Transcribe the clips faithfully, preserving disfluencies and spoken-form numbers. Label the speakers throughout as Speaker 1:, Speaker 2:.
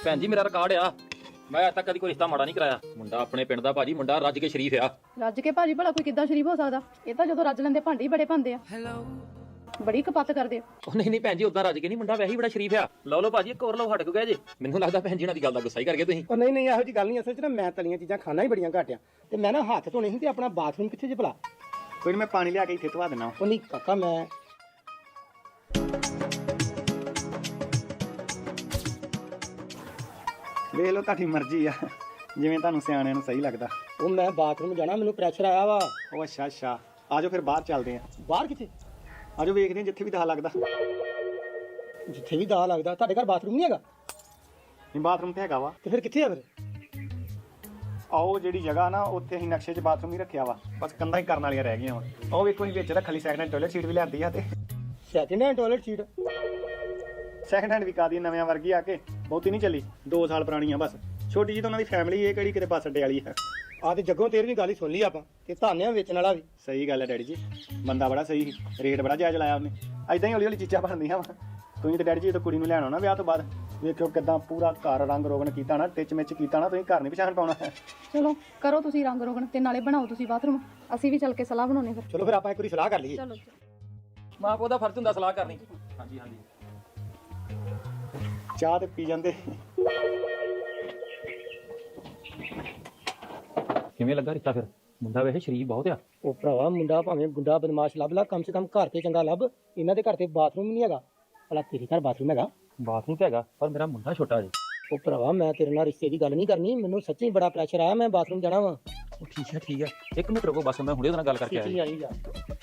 Speaker 1: ਭੈਣ ਜੀ ਮੇਰਾ ਰਿਕਾਰਡ ਆ, ਮੈਂ ਅੱਜ ਤੱਕ ਕਦੀ ਕੋਈ ਰਿਸ਼ਤਾ ਮਾੜਾ ਨਹੀਂ ਕਰਾਇਆ। ਮੁੰਡਾ ਆਪਣੇ ਪਿੰਡ ਦਾ ਭਾਜੀ, ਮੁੰਡਾ ਰੱਜ ਕੇ ਸ਼ਰੀਫ ਆ।
Speaker 2: ਰੱਜ ਕੇ ਭਾਜੀ ਭਲਾ ਕੋਈ ਕਿੱਦਾਂ ਸ਼ਰੀਫ ਹੋ ਸਕਦਾ? ਇਹ ਤਾਂ ਜਦੋਂ ਰੱਜ ਲੈਂਦੇ ਭਾਂਡੇ ਹੀ ਬੜੇ ਭੰਦੇ ਆ। ਬੜੀ ਕਪੱਤ ਕਰਦੇ ਆ।
Speaker 1: ਉਹ ਨਹੀਂ ਨਹੀਂ ਭੈਣ ਜੀ, ਉਦਾਂ ਰੱਜ ਕੇ ਨਹੀਂ, ਮੁੰਡਾ ਵੈਸੇ ਹੀ ਬੜਾ ਸ਼ਰੀਫ ਆ। ਲਓ ਲਓ ਭਾਜੀ, ਇੱਕ ਹੋਰ ਲਓ, ਹਟ ਕੇ ਗਏ ਜੇ। ਮੈਨੂੰ ਲੱਗਦਾ ਭੈਣ ਜੀ ਉਹਨਾਂ ਦੀ ਗੱਲ ਦਾ ਗੁੱਸਾ ਹੀ ਕਰ ਗਏ ਤੁਸੀਂ।
Speaker 3: ਉਹ ਨਹੀਂ ਨਹੀਂ, ਇਹੋ ਜੀ ਗੱਲ ਨਹੀਂ। ਅਸਲ 'ਚ ਨਾ ਮੈਂ ਤਲੀਆਂ ਚੀਜ਼ਾਂ ਖਾਣਾ ਹੀ ਬੜੀਆਂ ਘੱਟ ਆ, ਤੇ ਮੈਂ ਨਾ ਹੱਥ ਧੋਣੇ ਸੀ ਤੇ ਆਪਣਾ ਬਾਥਰੂਮ ਕਿੱਥੇ ਜੇ ਭਲਾ?
Speaker 4: ਕੋਈ ਨਹੀਂ, ਮੈਂ ਪਾਣੀ ਲਿਆ ਕੇ ਇੱਥੇ ਧਵਾ ਦੇਣਾ।
Speaker 3: ਉਹ ਨਹੀਂ ਕਾਕਾ, ਮੈਂ
Speaker 4: ਵੇਖ ਲਓ, ਤੁਹਾਡੀ ਮਰਜ਼ੀ ਆ, ਜਿਵੇਂ ਤੁਹਾਨੂੰ ਸਿਆਣਿਆਂ ਨੂੰ ਸਹੀ ਲੱਗਦਾ।
Speaker 3: ਉਹ ਮੈਂ ਬਾਥਰੂਮ ਜਾਣਾ, ਮੈਨੂੰ ਪ੍ਰੈਸ਼ਰ ਆਇਆ ਵਾ।
Speaker 4: ਉਹ ਅੱਛਾ ਅੱਛਾ, ਆਜੋ ਫਿਰ ਬਾਹਰ ਚੱਲਦੇ ਆਂ।
Speaker 3: ਬਾਹਰ ਕਿੱਥੇ?
Speaker 4: ਆਜੋ ਵੇਖਦੇ ਆਂ ਜਿੱਥੇ ਵੀ ਦਾ ਲੱਗਦਾ।
Speaker 3: ਜਿੱਥੇ ਵੀ ਦਾ ਲੱਗਦਾ। ਤੁਹਾਡੇ ਘਰ ਬਾਥਰੂਮ ਨਹੀਂ ਹੈਗਾ?
Speaker 4: ਨਹੀਂ, ਬਾਥਰੂਮ ਤੇ ਹੈਗਾ ਵਾ।
Speaker 3: ਤੇ ਫਿਰ ਕਿੱਥੇ ਆ ਫਿਰ?
Speaker 4: ਆਓ ਜਿਹੜੀ ਜਗ੍ਹਾ ਨਾ, ਉੱਥੇ ਅਸੀਂ ਨਕਸ਼ੇ 'ਚ ਬਾਥਰੂਮ ਹੀ ਰੱਖਿਆ ਵਾ, ਬਸ ਕੰਧਾਂ ਹੀ ਕਰਨ ਵਾਲੀਆਂ ਰਹਿ ਗਈਆਂ ਵਾ। ਉਹ ਵੇਖੋ, ਅਸੀਂ ਵਿੱਚ ਰੱਖ ਲਈ ਸੈਕਿੰਡ ਹੈਂਡ ਟਾਇਲਟ ਸੀਟ ਵੀ ਲਿਆਂਦੀ ਆ। ਤੇ
Speaker 3: second hand toilet seat?
Speaker 4: Second hand ਵੀ ਕਾਦੀ, ਨਵਿਆਂ ਵਰਗੀ ਆ ਕੇ ਬਹੁਤੀ ਨਹੀਂ ਚੱਲੀ, ਦੋ ਸਾਲ ਪੁਰਾਣੀ ਆ ਬਸ। ਛੋਟੀ ਜਿਹੀ ਤਾਂ ਉਹਨਾਂ ਦੀ ਫੈਮਿਲੀ, ਇਹ ਕਿਹੜੀ ਕਿਤੇ ਬੱਸ ਅੱਡੇ ਵਾਲੀ ਹੈ।
Speaker 3: ਆ ਤੇ ਜੱਗੋਂ ਤੇਰੀ ਵੀ ਗੱਲ ਹੀ ਸੁਣ ਲਈ ਆਪਾਂ, ਤੇ ਧਾਨਿਆਂ ਵੇਚਣ ਵਾਲਾ ਵੀ।
Speaker 4: ਸਹੀ ਗੱਲ ਹੈ ਡੈਡੀ ਜੀ, ਬੰਦਾ ਬੜਾ ਸਹੀ ਸੀ, ਰੇਟ ਬੜਾ ਜਾਇਜ਼ ਲਾਇਆ ਉਹਨੇ। ਐਦਾਂ ਹੀ ਹੌਲੀ ਹੌਲੀ ਚੀਜ਼ਾਂ ਬਣਦੀਆਂ ਵਾ। ਤੁਸੀਂ ਤੇ ਡੈਡੀ ਜੀ, ਤਾਂ ਕੁੜੀ ਨੂੰ ਲੈਣ ਆਉਣਾ ਵਿਆਹ ਤੋਂ ਬਾਅਦ, ਵੇਖਿਓ ਕਿੱਦਾਂ ਪੂਰਾ ਘਰ ਰੰਗ ਰੋਗਨ ਕੀਤਾ ਨਾ, ਟਿਚ ਮਿਚ ਕੀਤਾ ਨਾ, ਤੁਸੀਂ ਘਰ ਨਹੀਂ ਪਛਾਣ ਪਾਉਣਾ।
Speaker 2: ਚਲੋ ਕਰੋ ਤੁਸੀਂ ਰੰਗ ਰੋਗਣ, ਤੇ ਨਾਲੇ ਬਣਾਓ ਤੁਸੀਂ ਬਾਥਰੂਮ, ਅਸੀਂ ਵੀ ਚੱਲ ਕੇ ਸਲਾਹ ਬਣਾਉਣੇ ਫਿਰ।
Speaker 3: ਚਲੋ ਫਿਰ ਆਪਾਂ ਇੱਕ ਵਾਰੀ ਸਲਾਹ ਕਰ ਲਈਏ।
Speaker 2: ਚਲੋ
Speaker 1: ਮਾਂ ਪਿਓ ਦਾ ਫਰਜ਼ ਹੁੰਦਾ ਸਲਾਹ ਕਰਨੀ। ਹਾਂਜੀ ਹਾਂਜੀ।
Speaker 4: ਚਾਹ ਤੇ ਪੀ ਜਾਂਦੇ।
Speaker 1: ਕਿਵੇਂ ਲੱਗਾ ਰਿਸ਼ਤਾ ਫਿਰ? ਮੁੰਡਾ ਵੈਸੇ ਸ਼ਰੀਫ ਬਹੁਤ ਆ।
Speaker 3: ਉਹ ਭਰਾਵਾ, ਮੁੰਡਾ ਭਾਵੇਂ ਗੁੰਡਾ ਬਦਮਾਸ਼ ਲੱਭ ਲਾ, ਕਮ ਸੇ ਕਮ ਘਰ ਤੇ ਚੰਗਾ ਲੱਭ। ਇਹਨਾਂ ਦੇ ਘਰ ਤੇ ਬਾਥਰੂਮ ਨਹੀਂ ਹੈਗਾ। ਭਲਾ ਤੇਰੇ ਘਰ ਬਾਥਰੂਮ ਹੈਗਾ?
Speaker 1: ਬਾਥਰੂਮ ਤੇ ਹੈਗਾ, ਪਰ ਮੇਰਾ ਮੁੰਡਾ ਛੋਟਾ ਜੀ।
Speaker 3: ਉਹ ਭਰਾਵਾ, ਮੈਂ ਤੇਰੇ ਨਾਲ ਰਿਸ਼ਤੇ ਦੀ ਗੱਲ ਨਹੀਂ ਕਰਨੀ, ਮੈਨੂੰ ਸੱਚੀ ਬੜਾ ਪ੍ਰੈਸ਼ਰ ਆਇਆ, ਮੈਂ ਬਾਥਰੂਮ ਜਾਣਾ ਵਾ।
Speaker 1: ਉਹ ਠੀਕ ਹੈ ਠੀਕ ਹੈ, ਇੱਕ ਮਿੰਟ ਰੁਕੋ ਬਸ, ਮੈਂ ਹੁਣੇ ਉਹਦੇ ਨਾਲ ਗੱਲ ਕਰਕੇ ਆਇਆ।
Speaker 3: ਆਈ ਜਾ।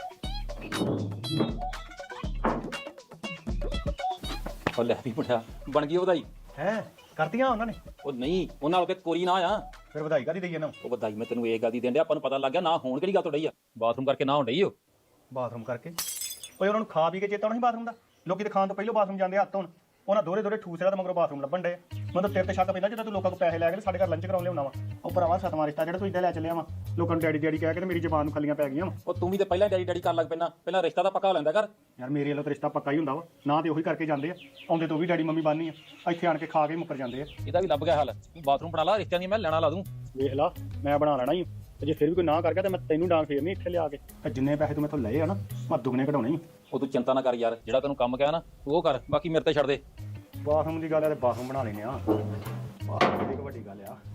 Speaker 1: ਉਹ ਲੈ ਵੀ ਮੁੰਡਾ, ਬਣ ਗਈ ਵਧਾਈ।
Speaker 4: ਹੈ ਕਰਤੀਆਂ ਉਹਨਾਂ ਨੇ?
Speaker 1: ਉਹ ਨਹੀਂ, ਉਹਨਾਂ ਨਾਲ ਤੇ ਕੋਰੀ ਨਾ ਆ।
Speaker 4: ਫਿਰ ਵਧਾਈ ਕਾਦੀ ਦਈਏ ਨਾ?
Speaker 1: ਉਹ ਵਧਾਈ ਮੈਂ ਤੈਨੂੰ ਇਹ ਗੱਲ ਦੀ ਦੇਣ ਡਿਆ, ਆਪਾਂ ਨੂੰ ਪਤਾ ਲੱਗ ਗਿਆ ਨਾ ਹੋਣ ਕਿਹੜੀ ਗੱਲ ਤੋਂ ਡਈ ਆ। ਬਾਥਰੂਮ ਕਰਕੇ ਨਾ ਹੋਣ ਡਈ ਉਹ।
Speaker 4: ਬਾਥਰੂਮ ਕਰਕੇ? ਓਏ ਉਹਨਾਂ ਨੂੰ ਖਾ ਪੀ ਕੇ ਚੇਤਾ ਨਹੀਂ ਬਾਥਰੂਮ ਦਾ। ਲੋਕੀ ਤੇ ਖਾਣ ਤੋਂ ਪਹਿਲਾਂ ਬਾਥਰੂਮ ਜਾਂਦੇ ਹੱਥ ਧੋਣ। ਉਹਨਾਂ ਦੋਰੇ ਦੋਰੇ ਠੂਸਰਾ ਤੇ ਮਗਰੋਂ ਬਾਥਰੂਮ ਲੱਭਣ ਡੇ। ਮੈਨੂੰ ਤੇਰੇ ਤੇ ਸ਼ੱਕ ਪੈਂਦਾ, ਜਦੋਂ ਤੂੰ ਲੋਕਾਂ ਕੋਲ ਪੈਸੇ ਲੈ ਕੇ ਸਾਡੇ ਘਰ ਲੰਚ ਕਰਾਉਣ ਲਿਆਉਣਾ ਵਾ। ਉਹ ਭਰਾਵਾ, ਸਤਵਾਂ ਰਿਸ਼ਤਾ ਜਿਹੜਾ ਤੂੰ ਇੱਦਾਂ ਲੈ ਚੱਲਿਆ ਵਾ, ਲੋਕਾਂ ਨੂੰ ਡੈਡੀ ਡੈਡੀ ਕਹਿ ਕੇ ਤੇ ਮੇਰੀ ਜ਼ਬਾਨ ਨੂੰ ਖੱਲੀਆਂ ਪੈ ਗਈਆਂ ਵਾ।
Speaker 1: ਉਹ ਤੂੰ ਵੀ ਤੇ ਪਹਿਲਾਂ ਡੈਡੀ ਡੈਡੀ ਕਰਨ ਲੱਗ ਪੈਣਾ, ਪਹਿਲਾਂ ਰਿਸ਼ਤਾ ਤਾਂ ਪੱਕਾ ਹੋ ਲੈਂਦਾ ਕਰ।
Speaker 4: ਯਾਰ ਮੇਰੇ ਵੱਲੋਂ ਤਾਂ ਰਿਸ਼ਤਾ ਪੱਕਾ ਹੀ ਹੁੰਦਾ ਵਾ, ਨਾ ਤੇ ਉਹੀ ਕਰਕੇ ਜਾਂਦੇ ਆ, ਆਉਂਦੇ ਤੋਂ ਵੀ ਡੈਡੀ ਮੰਮੀ ਬਾਨੀ ਆ, ਇੱਥੇ ਆਣ ਕੇ ਖਾ ਕੇ ਮੁੱਕਰ ਜਾਂਦੇ ਆ।
Speaker 1: ਇਹਦਾ ਵੀ ਲੱਭ ਗਿਆ ਹੱਲ। ਤੂੰ ਬਾਥਰੂਮ ਬਣਾ ਲਾ, ਰਿਸ਼ਤਿਆਂ ਦੀ ਮੈਂ ਲੈਣਾ ਲਾ ਦੂੰ।
Speaker 4: ਵੇਖ ਲਾ, ਮੈਂ ਬਣਾ ਲੈਣਾ ਹੀ, ਤੇ ਜੇ ਫਿਰ ਵੀ ਕੋਈ ਨਾ ਕਰ ਗਿਆ ਤੇ ਮੈਂ ਤੈਨੂੰ ਡਾਂਗ ਫੇਰਨੀ ਇੱਥੇ ਲਿਆ ਕੇ। ਤੇ ਜਿੰਨੇ ਪੈਸੇ ਤੂੰ ਮੈਥੋਂ ਲਏ ਆ ਨਾ, ਮੈਂ ਦੁੱਗਣੇ ਕਢਾਉਣੇ ਹੀ।
Speaker 1: ਉਹ ਤੂੰ ਚਿੰਤਾ ਨਾ ਕਰ ਯਾਰ, ਜਿਹੜਾ ਤੈਨੂੰ ਕੰਮ ਕਿਹਾ ਨਾ ਤੂੰ ਉਹ ਕਰ, ਬਾਕੀ ਮੇਰੇ ਤੇ ਛੱਡ ਦੇ।
Speaker 4: ਬਾਥਰੂਮ ਦੀ ਗੱਲ ਆ ਤੇ ਬਾਥਰੂਮ ਬਣਾ ਲੈਨੇ ਆ, ਬਾਥਰੂਮ ਦੀ ਵੱਡੀ ਗੱਲ ਆ।